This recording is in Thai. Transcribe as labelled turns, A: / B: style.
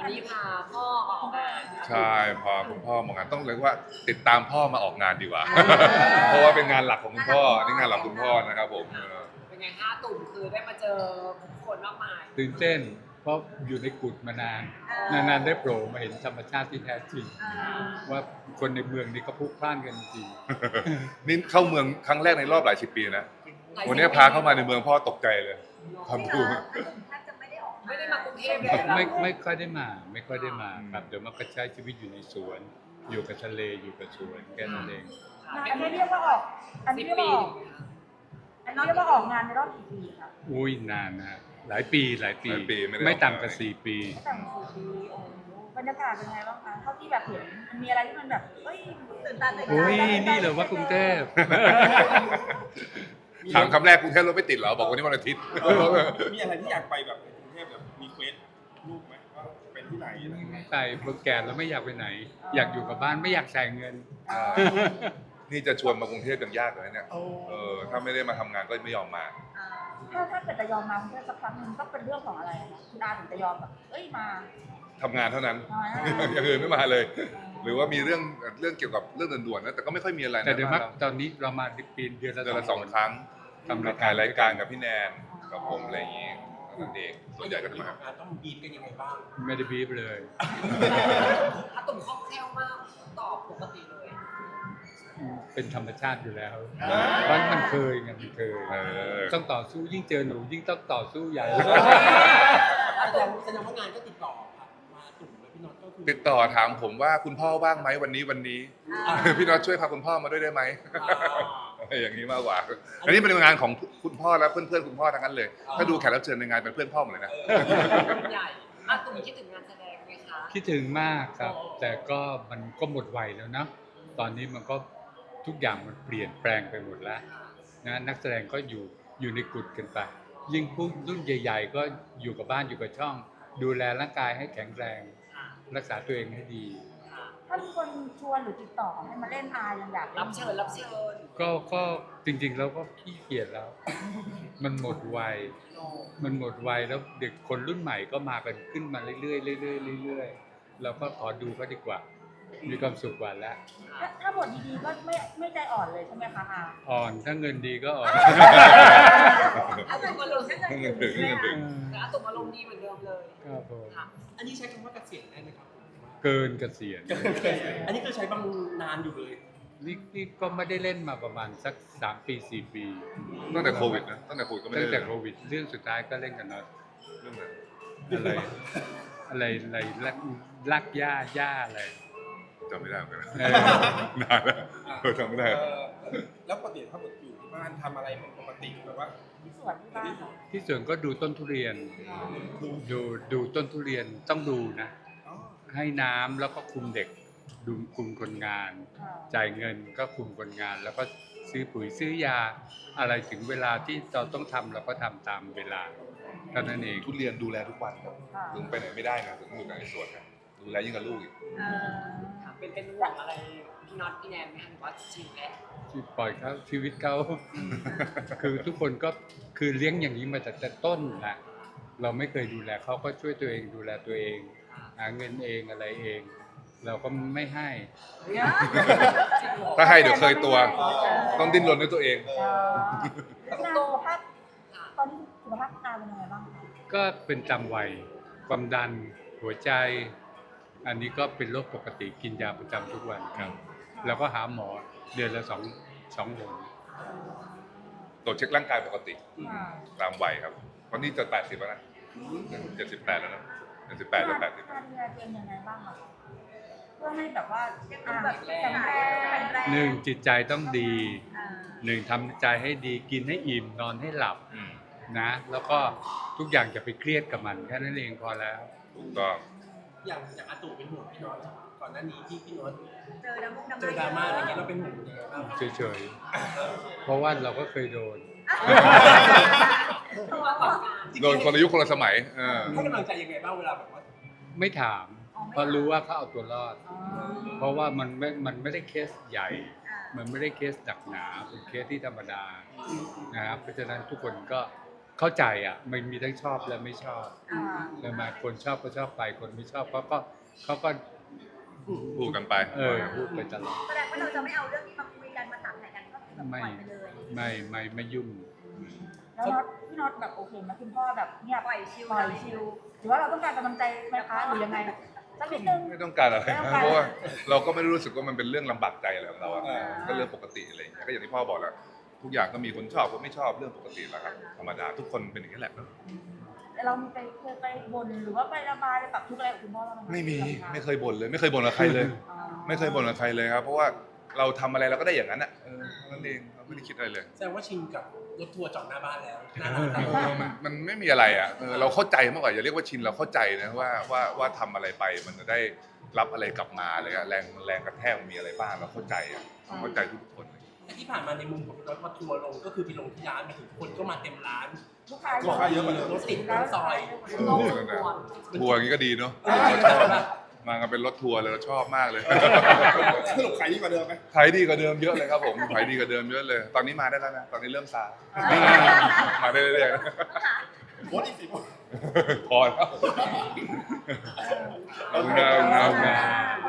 A: วันนี้พาพ่อมาออกงาน
B: ใช่พอคุณพ่อมางานต้องเรียกว่าติดตามพ่อมาออกงานดีกว่า เพราะว่าเป็นงานหลักของคุณพ่อนี่งานหลักคุณพ่อนะครับผม
A: เป็นไงคะตุ่มคือได้มาเจอผู้คนมากมาย
C: ตื่นเต้นเพราะอยู่ในกุฏมานานได้โผล่มาเห็นธรรมชาติที่แท้จริง ว่าคนในเมืองนี้ก็พลุกพล่านกันจริง
B: นี่เข้าเมืองครั้งแรกในรอบหลายสิบปีนะวันนี้พาเข้ามาในเมืองพ่อตกใจเลยความดู
A: ไม่ได้มากรุงเทพเลย
C: ไม่ค่อยได้มาครับเดี๋ยวมาก็ใช้ชีวิตอยู่ในสวน อยู่กับทะเลอยู่กับสวนแค่นั้นเอง
D: อันนี้เรียกว่าออก อันนี้
A: 10
D: เรียก
A: ปี
D: ว่าออกอันนี้เรียกว่าออกงานในรอบกี่ปีครับ
C: อุ้ยนานนะหลายปีไม่ต่ำกว่า4 ปี
D: ตั้งแต่4 ปีโอ้โหบรรยากาศเป็นไงบ้างคะเท่าที่แบบเห็นมันมีอะไรที่มันแบบเอ้ยตื่นตาตื่นใจ
C: โอ้ยนี่เหรอว่ากรุงเทพ
B: ถามคำแรกกรุงเทพรถไม่ติดเหรอบอกวันนี้วันอาทิตย์
E: มีอะไรที่อยากไปแบบในกรุงเทพแบบมีเควสรูปไหมว่าเป็นที่ไหนอะไรอย่างเงี้ย
C: ไปเมื่อแก่แล้วไม่อยากไปไหน อยากอยู่กับบ้านไม่อยากจ่ายเงิน
B: นี่จะชวนมากรุงเทพยังยากเลยเนี่ยถ้าไม่ได้มาทำงานก็ไม่ยอมมา
D: ถ้าเกิดจะยอมมาเพื่อสักครั้งหนึงก็เป็นเรื่องของอะไรคะคุณอาถึงจะยอมแบบเอ้ยมา
B: ทำงานเท่านั้น
D: อ๋อ
B: อย่างอื่นไม่มาเลย หรือว่ามีเรื่องเกี่ยวกับเรื่องด่วนๆนะแต่ก็ไม่ค่อยมีอะไรนะ
C: แต่เดี๋ยวมักตอนนี้เรามาปีเดือนละ
B: เดือนละ
C: 2
B: 2 ครั้ง
C: ทำ
B: ถ่ายรายการกับพี่แนนกับผมอะไรอย่างงี้นั่นเองส่วนใหญ่ก็จะมา
E: ต้องบีบกันยังไงบ้าง
C: ไม่ได้บีบเลย
A: อาตุ่มคล่องแคล่วมากตอบปกติเลย
C: เป็นธรรมชาติอยู่แล้วเพราะมันเคยไงมันเคย ต้องต่อสู้ยิ่งเจอหนูยิ่งต้องต่อสู้ใหญ่
E: แสดงว่างานก็ติดต่อมาตุ่มเลยพี่น็อตก็คือ
B: ติดต่อถามผมว่าคุณพ่อว่างไหมวันนี้ พี่น็อตช่วยพาคุณพ่อมาด้วยได้ไหม อย่างนี้มากกว่าอันนี้เป็นงานของคุณพ่อและเพื่อนๆคุณพ่อทั้งนั้นเลย ถ้าดูแขกรับเชิญในงานเป็นเพื่อนพ่อหมดเลยนะ
A: ใหญ่อาตุ่มคิดถึงงานแสดงไหมคะ
C: คิดถึงมากครับ แต่ก็มันก็หมดวัยแล้วนะตอนนี้มันก็ทุกอย่างมันเปลี่ยนแปลงไปหมดแล้วนะนักแสดงก็อยู่ในกุฏกันไปยิ่งผู้รุ่นใหญ่ ๆ ก็อยู่กับบ้านอยู่กับช่อง ดูแลร่างกายให้แข็งแรง รักษาตัวเองให้ดี
D: ถ้ามีคนชวนหรือติดต่อให้มาเล่นอายังอยากเล่น
A: รับเชิญ
C: ก็จริงๆแล้วก็ขี้เกียจแล้ว มันหมดวัยแล้วเด็กคนรุ่นใหม่ก็มากันขึ้นมาเรื่อยๆเรื่อยๆเรื่อยๆเราก็ขอดูก็ดีกว่า มีความสุขกว่าแล้ว
D: ถ้าบทดีๆก็ไม่ใจอ่อนเลยใช่ไหมคะอา
C: อ่อนถ้าเงินดีก็อ่อน
A: อาตุ่มอารมณ์
B: เงินถึง
A: แต่อาตุ่มอารมณ์ดีเหมือนเดิมเลย
C: ครับผม
A: ค่ะ
E: อันนี้ใช้คำว่าเกษียณได้ไหมครับ
C: เกินเกษียณ
E: อันนี้คือใช้บางนานอยู่เลย
C: นี่ก็ไม่ได้เล่นมาประมาณสัก3 ปี 4 ปี
B: ตั้งแต่โควิดนะตั้งแต่โควิดก็ไม่
C: ตั้
B: ได้
C: งแต่โควิดเรื่องสุดท้ายก็เล่นกันน็อต
B: เรื่องนั้น
C: อะไรลักย่าอะไร
B: จำไม่ได้เหมือนกันนะ
C: เออ
B: นานแล้วจำไม่ได้
E: แล้วปกติถ้าอยู่ที่บ้านทำอะไรเป็นปกติแบบว่า
D: ที่สวนที่บ้านเหรอ
C: ที่สวนก็ดูต้นทุเรียน ดูต้นทุเรียนต้องดูนะ
E: อ๋อ
C: ให้น้ำแล้วก็คุมเด็กดูคุมคนงาน จ่ายเงินก็คุมคนงาน แล้วก็ซื้อปุ๋ยซื้อยาอะไรถึงเวลาที่เราต้องทำเราก็ทำตามเวลาเท่านั้นเอง
B: ทุเรียนดูแลทุกวันครับ
D: ค่ะ
B: ลุงไปไหนไม่ได้นะถึงอยู่แต่ในสวนนะดูแลยิ่งกับลูกอีก
A: ค่ะเป็นห่วงอะไรพี่น็อตพี่แนนไหมคะหรือว่าชิลแล้ว
C: ที่ปล่อยเขาชีวิตเขา คือทุกคนก็คือเลี้ยงอย่างนี้มาแต่ต้นนะเราไม่เคยดูแลเขาก็ช่วยตัวเองดูแลตัวเอง หาเงินเองอะไรเอง เราก็ไม่ให้
B: ถ้าให้เดี๋ยวเคยตัว ต้องดิ้นรนด้วยตัวเอง
D: แล้วคุณอาสุขภาพตอนนี้สุขภาพคุณอาเป็นยังไงบ้างคะ
C: ก็เป็นตามวัยความดันหัวใจ อันนี้ก็เป็นโรคปกติกินยาประจำทุกวันครับ แล้วก็หาหมอเดือนละสองหน
B: ตรวจเช็คร่างกายปกติ
D: อ่า
B: ตามวัยครับตอนนี้จะ80แล้วนะ78แล้วนะ78แล้ว80
D: การดูแลตัวเองยังไงบ้างอะคะเพื่อให้แบบว่าแข็งแรง
C: หนึ่งจิตใจต้องดีหนึ่งทำใจให้ดีกินให้อิ่มนอนให้หลับ
B: อืม
C: นะแล้วก็ทุกอย่างอย่าไปเครียดกับมันแค่นั้นเองพอแล้ว
B: ถูกต้อง
E: อย่างอาตู่เป็นห่วงพี่น็อตก่อนหน้านี้ที่พี่น็อต
D: เจอดราม่า
E: เจอดราม่าอะไรเงี้ยเราเป็นห่วงยังไงบ้าง
C: เฉยๆเพราะว่าเราก็เคยโดน
A: ตัวก่อนการ
B: โดนคนละยุคคนละสมัย
E: ให้กำลังใจยังไงบ้างเวลาแบบว่า
C: ไม่ถามเพราะรู้ว่าเขาเอาตัวรอด เพราะว่ามันไม่ได้เคสใหญ่ มันไม่ได้เคสหนักหนาเป็นเคสที่ธรรมดานะครับเพราะฉะนั้นทุกคนก็เข้าใจอ่ะมันมีทั้งชอบและไม่ชอบ
D: อ่า
C: ใช่ไหมคนชอบก็ชอบไปคนไม่ชอบเขาก็
B: พูดกันไป
C: พูดไปตลอด
F: แสดงว่าเราจะไม่เอาเรื่องนี้มาคุยกันมาถามไหนกันก็คือแบบปล่อยไปเลย
C: ไม่ยุ่ง
D: แล้วน็อตพี่น็อตแบบโอเคไหมคุณพ่อแบบเงียบ
F: ปล่อยชิล
D: ปล่อยชิลหรือว่าเราต้องการกำลังใจไหมคะหรือยังไงสักนิดนึง
B: ไม่ต้องการอะไร
D: ไม่ต้องการ
B: เพราะว่าเราก็ไม่ได้รู้สึกว่ามันเป็นเรื่องลำบากใจอะไรของเราอะ
E: อ่า
B: ก็เรื่องปกติอะไรอย่างเงี้ยก็อย่างที่พ่อบอกแหละทุกอย่างก็มีคนชอบคนไม่ชอบเรื่องปกติแหละครับธรรมดาทุกคนเป็นอย่างนี้แหละเนอะ
D: แต่เราเคยไปบ่นหรือว่าไประบายไปปรับทุกข์อะไรกับคุณพ่อบ้างไหมคะ
B: ไม่มีไม่เคยบ่นเลย ไม่เคยบ่นกับใครเลย
D: อ๋อ
B: ไม่เคยบ่นกับใครเลยครับ เพราะว่าเราทำอะไรเราก็ได้อย่างนั้นอ่ะนั่นเองเราไม่ได้คิดอะไรเลย
G: แสดงว่าชินกับรถทัวร์จอดหน้าบ้านแล้วหน้า
B: มันไม่มีอะไรอ่ะเราเข้าใจมากกว่าอย่าเรียกว่าชินเราเข้าใจนะว่าทำอะไรไปมันจะได้รับอะไรกลับมาเลยอะแรงกระแทกมันมีอะไรบ้างเราเข้าใจอ่ะเข้าใจทุกคนเลย
G: แต่ที่ผ่านมาในมุมของรถพอทัวร์ลงก็คือไปลงที่ร้านมาถึงคนก็มาเต็มร้าน
D: ลูกค้า
E: ลูกค้าเยอะกว่าเดิม
G: รถติดทั้งซอย
B: ทัวร์อย่างนี้ก็ดีเนาะเราชอบมากันเป็นรถทัวร์เลยเราชอบมากเลย
E: สรุปขายดีกว่าเดิมไหม
B: ขายดีกว่าเดิมเยอะเลยครับผมขายดีกว่าเดิมเยอะเลย ตอนนี้มาได้แล้วนะตอนนี้เริ่มซามาได้เรื่อย
E: โค้ดอีก10
B: ๆพอแล้วขอบคุณครับ